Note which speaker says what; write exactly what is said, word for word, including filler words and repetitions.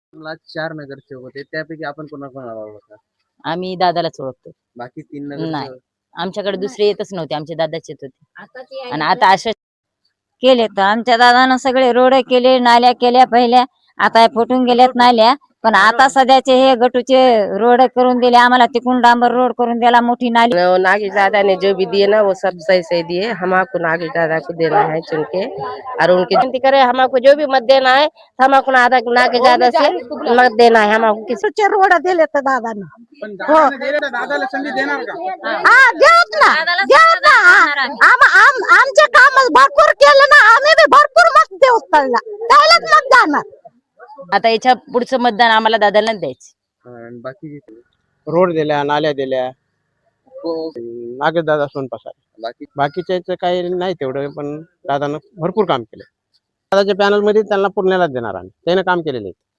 Speaker 1: मला चार नगरसेवक होते त्यापैकी आपण कोणाकोणाला ओळखता?
Speaker 2: आम्ही दादालाच ओळखतो.
Speaker 1: बाकी तीन
Speaker 2: नाही,
Speaker 1: नगरसेवक
Speaker 2: आमच्याकडे दुसरे येतच नव्हते, आमचे दादाच येत होते. आणि आता अशा
Speaker 3: केले तर आमच्या दादानं सगळे रोड केले, नाल्या केल्या पहिल्या, आता फुटून गेल्यात नाल्या. पण आता सध्याचे हे गटूचे रोड करून दिले आम्हाला, तिकून डांबर रोड करून दिला, मोठी नाली।
Speaker 4: नागेश दादा ने जो भी दिए ना वो सब सही सही दिए। हमको नागेश दादा को देना है चुन के, और उनकी विनती करे हमको जो भी मत देना है हमको नागेश दादा से मत देना है। हमको किसी
Speaker 3: रोड दिले तर दादानं
Speaker 1: पण दादाने दिले तर दादाला संधी देणार का?
Speaker 3: हा देऊत ना, देऊत ना। आम- आम- आमचे काम भरपूर केलं ना, आम्ही बी भरपूर मत देऊ त्याला, त्यालाच मत जाणार।
Speaker 2: आता याच्या पुढचं मतदान आम्हाला दादालाच द्यायचं।
Speaker 1: आणि बाकी
Speaker 5: रोड दिल्या, नाल्या दिल्या, नागेश दादा सोनपासा।
Speaker 1: बाकी
Speaker 5: बाकीच्या काही नाही तेवढं, पण दादानं भरपूर काम केलं। दादाच्या पॅनल मध्ये त्यांना पुण्यालाच देणार आम्ही, त्याने काम केलेले आहे।